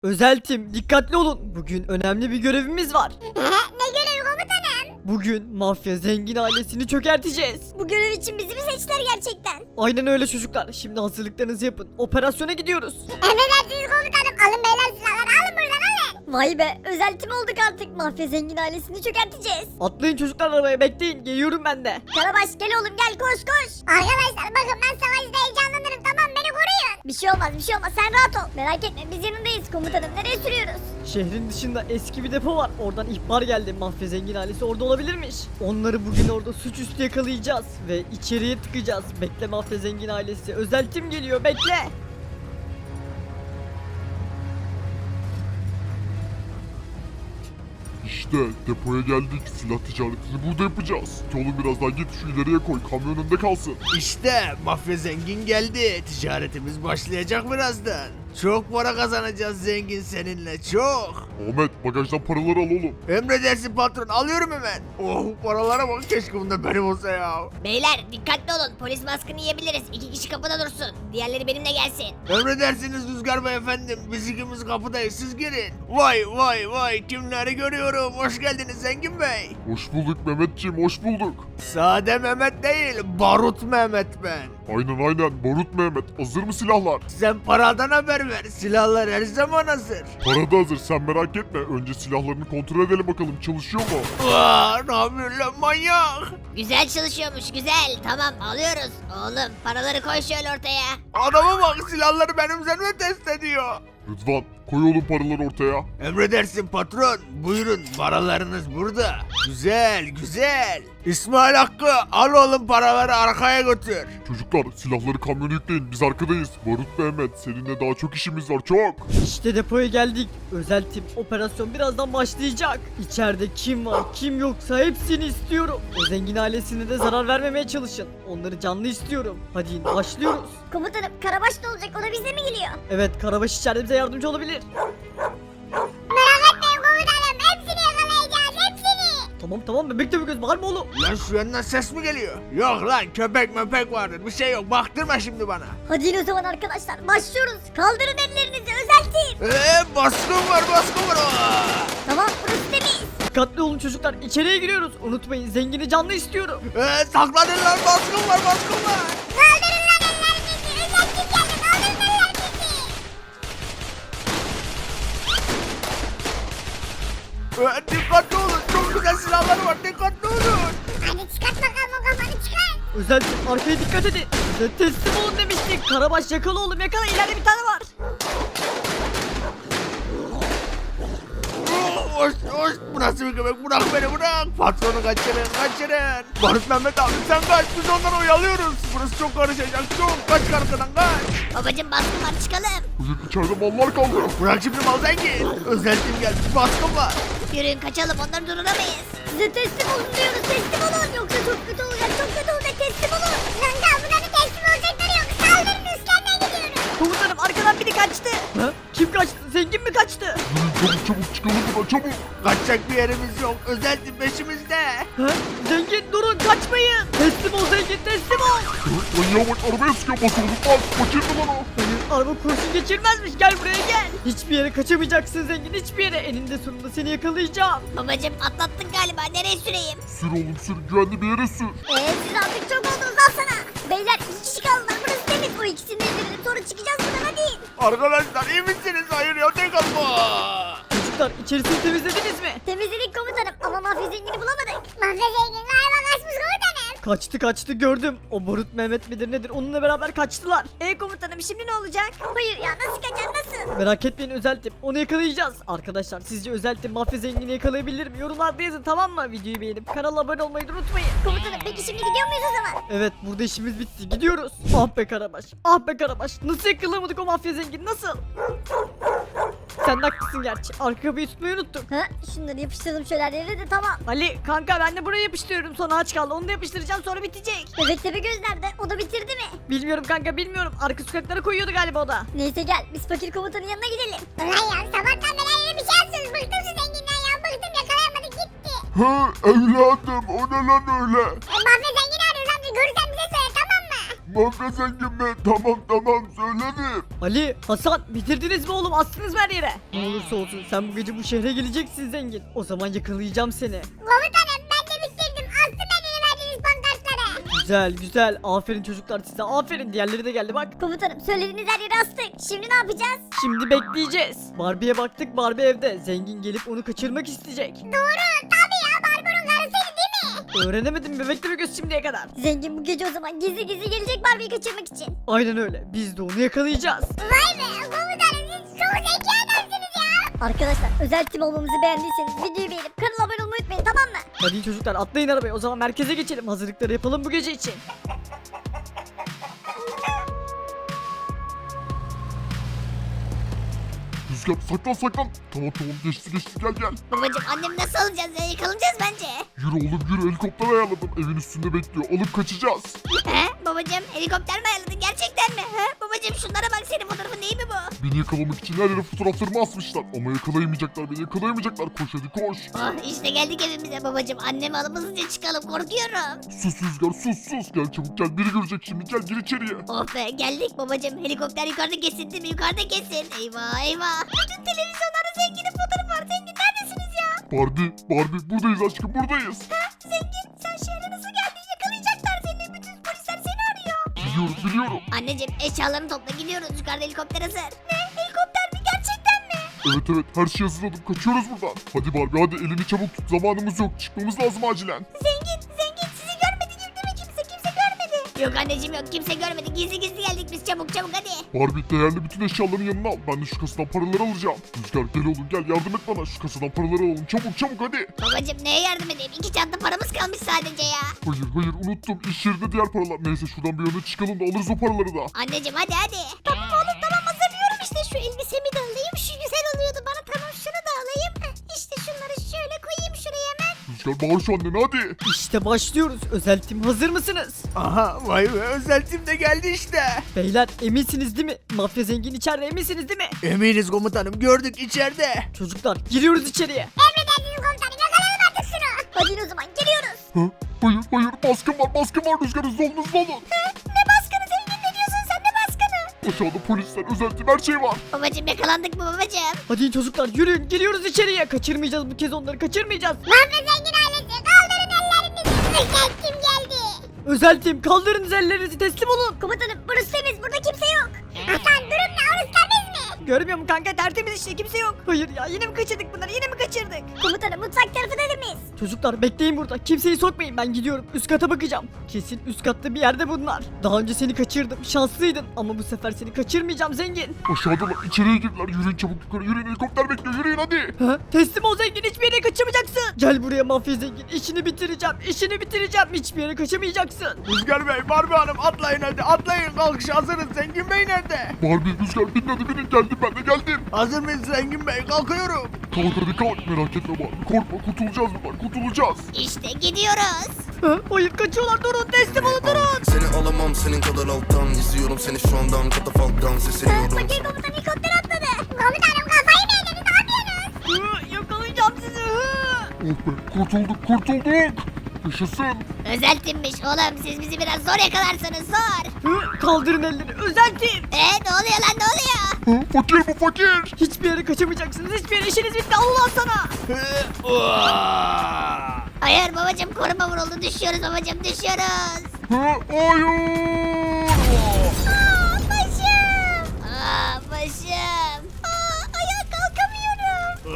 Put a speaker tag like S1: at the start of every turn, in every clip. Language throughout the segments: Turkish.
S1: Özeltim, dikkatli olun. Bugün önemli bir görevimiz var.
S2: Ne görevi komutanım?
S1: Bugün mafya zengin ailesini çökerteceğiz.
S2: Bu görev için bizi mi seçtiler gerçekten?
S1: Aynen öyle çocuklar. Şimdi hazırlıklarınızı yapın. Operasyona gidiyoruz.
S2: Emredersiniz komutanım. Alın beyler silahları alın buradan alın. Vay be özel tim olduk artık. Mafya zengin ailesini çökerteceğiz.
S1: Atlayın çocuklar arabaya, bekleyin. Geliyorum ben de.
S2: Karabaş gel oğlum gel koş koş. Arkadaşlar bakın ben savaşta heyecanlanırım tamam beni koruyun. Bir şey olmaz sen rahat ol. Merak etme biz yanındayız komutanım nereye sürüyoruz?
S1: Şehrin dışında eski bir depo var. Oradan ihbar geldi. Mafya zengin ailesi orada olabilirmiş. Onları bugün orada suçüstü yakalayacağız. Ve içeriye tıkacağız. Bekle mafya zengin ailesi. Özel tim geliyor, bekle.
S3: İşte depoya geldik. Silah ticaretini burada yapacağız. Oğlum biraz daha git şu ileriye koy. Kamyon önünde kalsın.
S4: İşte mafya zengin geldi. Ticaretimiz başlayacak birazdan. Çok para kazanacağız zengin seninle çok.
S3: Ahmet bagajdan paraları al oğlum.
S4: Emredersin patron alıyorum hemen. Oh paralara bak keşke bunda benim olsa ya.
S2: Beyler dikkatli olun polis baskını yiyebiliriz. 2 kişi kapıda dursun. Diğerleri benimle gelsin.
S4: Emredersiniz Rüzgar Bey efendim. Biz ikimiz kapıdayız siz girin. Vay kimleri görüyorum. Hoş geldiniz zengin bey.
S3: Hoş bulduk Mehmetciğim, hoş bulduk.
S4: Sade Mehmet değil Barut Mehmet ben.
S3: Aynen Barut Mehmet. Hazır mı silahlar?
S4: Sen paradan haber ver. Silahlar her zaman hazır.
S3: Para da hazır, sen merak etme. Önce silahlarını kontrol edelim bakalım çalışıyor mu?
S4: Vaa ne yapıyorsun lan manyak?
S2: Güzel çalışıyormuş güzel. Tamam alıyoruz. Oğlum paraları koy şöyle ortaya.
S4: Adama bak silahları benim üzerime test ediyor.
S3: Rıdvan koy oğlum paraları ortaya.
S4: Emredersin patron. Buyurun paralarınız burada. Güzel. İsmail Hakkı al oğlum paraları arkaya götür.
S3: Çocuklar silahları kamyona yükleyin, biz arkadayız. Barut Mehmet seninle daha çok işimiz var, çok.
S1: İşte depoya geldik. Özel tim operasyon birazdan başlayacak. İçeride kim var kim yoksa hepsini istiyorum. O zengin ailesine de zarar vermemeye çalışın. Onları canlı istiyorum. Hadi başlıyoruz.
S2: Komutanım Karabaş ne olacak o da bizle mi geliyor?
S1: Evet, Karabaş içeride bize yardımcı olabilir.
S2: Merak etmeyin komutanım hepsini yakalayacağız hepsini.
S1: Tamam bebek de bir göz, bağırma oğlum.
S4: Lan şu yandan ses mi geliyor? Yok lan köpek möpek vardır bir şey yok baktırma şimdi bana.
S2: Hadi yine o zaman arkadaşlar başlıyoruz. Kaldırın ellerinizi özel tim.
S4: Baskın var. Aa!
S2: Tamam burası temiz.
S1: Dikkatli olun çocuklar, içeriye giriyoruz. Unutmayın, zengini canlı istiyorum.
S4: Saklanın lan baskın var.
S2: Kaldırın lan ellerinizi özel tim geldi kaldırın ellerinizi.
S4: Dikkatli olun çok güzel silahlar var dikkatli olun.
S2: Hadi çıkart bakalım o kafanı çıkart.
S1: Özel tim arkaya dikkat edin. Size teslim olun demiştik. Karabaş yakala oğlum, yakala, ileride bir tane var.
S4: Hoş bu nasıl bir köpek bırak beni bırak. Patronu kaçırın. Barut Mehmet abi sen kaç biz onları oyalıyoruz. Burası çok karışacak çok kaç arkadan kaç.
S2: Babacım baskın var çıkalım.
S3: Bugün içeride mallar kaldı.
S4: Bırak şimdi mal zengin. Özel tim gelmiş baskın var.
S2: Yürüyün kaçalım onları durduramayız. Size teslim olun diyoruz teslim olun. Yoksa çok kötü olacak teslim olun. Lan bunların teslim olacakları yok. Saldırın üstlerine gidiyoruz.
S1: Komutanım arkadan biri kaçtı. Ha? Kim kaçtı? Zengin mi kaçtı?
S3: Yürüyün çabuk çıkalım buradan çabuk.
S4: Kaçacak bir yerimiz yok. Özel tim peşimizde.
S1: Ha? Zengin durun, kaçmayın. Teslim ol zengin, teslim ol.
S3: Manyağa bak arabaya sıkıyor, bas oğlum bas. Kaçırdı lan o.
S1: Hayır, araba kurşun geçirmezmiş, gel buraya gel. Hiçbir yere kaçamayacaksın zengin, hiçbir yere. Eninde sonunda seni yakalayacağım.
S2: Babacım atlattık galiba nereye süreyim?
S3: Sür oğlum sür, güvenli bir yere sür.
S2: Siz artık çok oldunuz al sana. Beyler 2 kişi kaldılar burası temiz. O ikisini indirelim sonra çıkacağız buradan hadi.
S4: Arkadaşlar iyi misiniz? Hayır ya tek atma.
S1: Çocuklar içerisini temizlediniz mi?
S2: Temizledik komutanım ama mafya zengini bulamadık. Mafya zengini galiba kaçmış komutanım.
S1: Kaçtı gördüm. O Barut Mehmet midir nedir, onunla beraber kaçtılar.
S2: Komutanım şimdi ne olacak? Hayır ya nasıl kaçar nasıl?
S1: Merak etmeyin özel tim, onu yakalayacağız. Arkadaşlar sizce özel tim mafya zengini yakalayabilir mi? Yorumlarda yazın, tamam mı? Videoyu beğenip kanala abone olmayı da unutmayın.
S2: Komutanım peki şimdi gidiyor muyuz o zaman?
S1: Evet, burada işimiz bitti, gidiyoruz. Ah be Karabaş, nasıl yakalayamadık o mafya zengini, nasıl? Sen de haklısın gerçi, arka kapıyı tutmayı unuttuk.
S2: Ha şunları yapıştıralım şöyle her yere de tamam.
S1: Ali kanka, ben de buraya yapıştırıyorum, sonra aç kaldı, onu da yapıştıracağım, sonra bitecek.
S2: Bebek tepe göz nerede? O da bitirdi mi?
S1: Bilmiyorum kanka, bilmiyorum, arka sokaklara koyuyordu galiba o da.
S2: Neyse gel biz fakir komutanın yanına gidelim. Ulan ya sabahtan beri her yere bir şey yapıyorsunuz. Bıktım şu zenginden ya bıktım yakalayamadık gitti.
S3: He evladım o ne lan öyle?
S2: Mafya zengini arıyoruz amca görürsen bize söyle tamam mı?
S3: Mafya zengin mi? Tamam söyledim.
S1: Ali, Hasan bitirdiniz mi oğlum? Astınız mı her yere? Ne olursa olsun sen bu gece bu şehre geleceksin zengin. O zaman yakalayacağım seni.
S2: Komutanım ben de bitirdim. Astım ben yeni verdiğiniz pankartları.
S1: Güzel. Aferin çocuklar size. Aferin. Diğerleri de geldi bak.
S2: Komutanım söylediğiniz her yere astık. Şimdi ne yapacağız?
S1: Şimdi bekleyeceğiz. Barbie'ye baktık. Barbie evde. Zengin gelip onu kaçırmak isteyecek.
S2: Doğru tabii ya Barbaros karısıydı değil mi?
S1: Öğrenemedim bebekle bir göz şimdiye kadar.
S2: Zengin bu gece o zaman gizli gelecek Barbie'yi kaçırmak için.
S1: Aynen öyle. Biz de onu yakalayacağız.
S2: Vay be komutanım siz çok zeki adamsınız ya. Arkadaşlar özel tim olmamızı beğendiyseniz videoyu beğenip kanala abone olmayı unutmayın tamam mı?
S1: Hadi çocuklar atlayın arabaya. O zaman merkeze geçelim. Hazırlıkları yapalım bu gece için.
S3: Rüzgar saklan. Tamam geçti gel.
S2: Babacım annem nasıl alacağız ya yakalanacağız bence.
S3: Yürü oğlum yürü helikopter ayarladım. Evin üstünde bekliyor. Alıp kaçacağız.
S2: He babacım helikopter mi ayarladın gerçekten mi? He babacım şunlara bak senin fotoğrafın değil mi bu?
S3: Beni yakalamak için her yere fotoğraflarımı asmışlar. Ama beni yakalayamayacaklar. Koş hadi koş.
S2: Oh işte geldik evimize babacım annemi alıp hızlıca çıkalım korkuyorum.
S3: Sus Rüzgar sus. Gel çabuk gel. Biri görecek şimdi. Gel gir içeriye.
S2: Oh be geldik babacım helikopter yukarıda kesin değil mi yukarıda kesin. Eyvah. Bütün televizyonlarda zenginin fotoğrafı var zengin neredesiniz ya?
S3: Barbie buradayız aşkım buradayız.
S2: Zengin sen şehre nasıl geldin yakalayacaklar seni bütün polisler seni arıyor.
S3: Biliyorum.
S2: Anneciğim eşyalarını topla gidiyoruz yukarıda helikopter hazır. Ne helikopter mi gerçekten mi?
S3: Evet her şeyi hazırladım. Kaçıyoruz buradan. Hadi Barbie hadi elini çabuk tut. Zamanımız yok. Çıkmamız lazım acilen.
S2: Zengin sizi görmedi gibi değil mi kimse görmedi. Yok anneciğim yok kimse görmedi gizli geldik biz çabuk hadi.
S3: Barbie değerli bütün eşyalarını yanına al. Ben de şu kasadan paraları alacağım. Rüzgar gel oğlum gel yardım et bana. Şu kasadan paraları alalım. Çabuk hadi.
S2: Babacım neye yardım edeyim 2 çanta paramız kalmış sadece ya.
S3: Hayır unuttum. İş yerinde diğer paralar. Neyse şuradan bir yana çıkalım da alırız o paraları da.
S2: Anneciğim hadi. Tamam oğlum tamam hazırlıyorum işte şu elbisemi de alayım şu güzel oluyordu bana tamam şunu da alayım. İşte şunları şöyle koyayım şuraya hemen.
S3: Rüzgar bağır şu annene hadi.
S1: İşte başlıyoruz. Özel tim hazır mısınız?
S4: Aha vay be özel tim de geldi işte.
S1: Beyler eminsiniz değil mi? Mafya zengin içeride eminsiniz değil mi?
S4: Eminiz komutanım gördük içeride.
S1: Çocuklar giriyoruz içeriye.
S2: Emredersiniz komutanım yakalayalım artık şunu. Hadi o zaman geliyoruz.
S3: Hayır baskın var Rüzgar hızlı olun.
S2: Ne baskını zengin ne diyorsun sen ne baskını?
S3: Aşağıda polisler özel tim her şey var.
S2: Babacım yakalandık mı babacım?
S1: Hadi çocuklar yürüyün geliyoruz içeriye. Kaçırmayacağız bu kez onları kaçırmayacağız.
S2: Mafya zengin ailesi kaldırın ellerinizi. Özel kim geldi?
S1: Özel tim kaldırınız ellerinizi teslim olun.
S2: Komutanım burası temiz burada kimse yok. Hasan durum ne orası temiz mi?
S1: Görmüyor musun kanka tertemiz işte kimse yok. Hayır ya yine mi kaçırdık bunları yine mi kaçırdık?
S2: Komutanım mutfak tarafı miyiz?
S1: Çocuklar bekleyin burada kimseyi sokmayın ben gidiyorum üst kata bakacağım. Kesin üst katta bir yerde bunlar. Daha önce seni kaçırdım şanslıydın ama bu sefer seni kaçırmayacağım zengin.
S3: Aşağıdalar içeriye girdiler. Yürüyün çabuk yukarı yürüyün helikopter bekliyor yürüyün hadi.
S1: Ha? Teslim ol zengin hiçbir yere kaçamayacaksın. Gel buraya mafya zengin işini bitireceğim hiçbir yere kaçamayacaksın.
S4: Rüzgar Bey Barbie Hanım atlayın hadi atlayın kalkış hazırız Zengin Bey nerede?
S3: Barbie Rüzgar binin hadi binin geldim ben de geldim.
S4: Hazır mıyız Zengin Bey kalkıyorum.
S3: Kalk hadi kalk merak etme Barbie korkma kurtulacağız buradan kurtulacağız.
S2: İşte gidiyoruz.
S1: Ha? Hayır kaçıyorlar durun teslim olun durun.
S5: Seni alamam senin kadar alttan. İzliyorum seni şu andan katafalktan sesleniyorum.
S2: Fakir komutan helikopter atladı. Komutanım kafayı mı yediniz ne yapıyorsunuz?
S1: Hı, yakalayacağım sizi. Hı.
S3: Oh be kurtulduk. Yaşasın.
S2: Özel timmiş oğlum siz bizi biraz zor yakalarsanız zor.
S1: Hı, kaldırın elleri özel tim.
S2: Ne oluyor lan ne oluyor?
S3: Fakir bu fakir.
S1: Hiçbir yere kaçamayacaksınız hiçbir yere işiniz bitti Allah sana.
S2: Hayır babacım koruma vuruldu düşüyoruz babacım düşüyoruz.
S3: Hayır.
S2: Başım. Ayağa kalkamıyorum.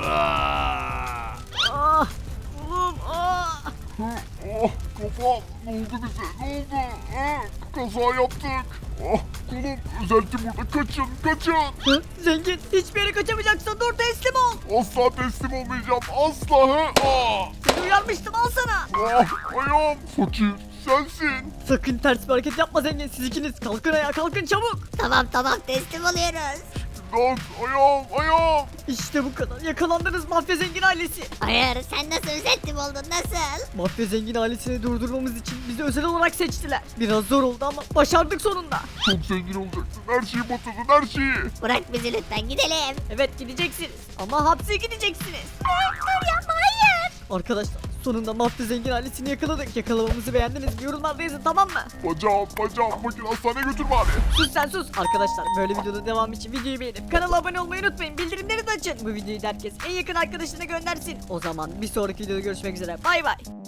S1: Ah, oğlum ah.
S3: Oh kafam ne oldu bize ne oldu? Kaza yaptık. Kolum özel tim burada kaçın.
S1: Hı, zengin hiçbir yere kaçamayacaksın dur teslim ol.
S3: Asla teslim olmayacağım asla.
S1: Seni uyarmıştım al sana.
S3: Ayağım fakir sensin.
S1: Sakın ters bir hareket yapma zengin siz ikiniz kalkın ayağa kalkın çabuk.
S2: Tamam teslim oluyoruz.
S3: Lan ayağım.
S1: İşte bu kadar yakalandınız mafya zengin ailesi.
S2: Hayır sen nasıl özel tim oldun nasıl?
S1: Mafya zengin ailesini durdurmamız için bizi özel olarak seçtiler. Biraz zor oldu ama başardık sonunda.
S3: Çok zengin olacaksın her şeyi batırdın her şeyi.
S2: Bırak bizi lütfen gidelim.
S1: Evet gideceksiniz ama hapse gideceksiniz.
S2: Dur yapma hayır.
S1: Arkadaşlar Sonunda mafya zengin ailesini yakaladık. Yakalamamızı beğendiniz mi? Yorumlarda yazın, tamam mı?
S3: Bacağım bugün hastaneye götür bari.
S1: Sus sen sus. Arkadaşlar böyle videonun devamı için videoyu beğenip kanala abone olmayı unutmayın. Bildirimleri de açın. Bu videoyu da herkes en yakın arkadaşına göndersin. O zaman bir sonraki videoda görüşmek üzere. Bay bay.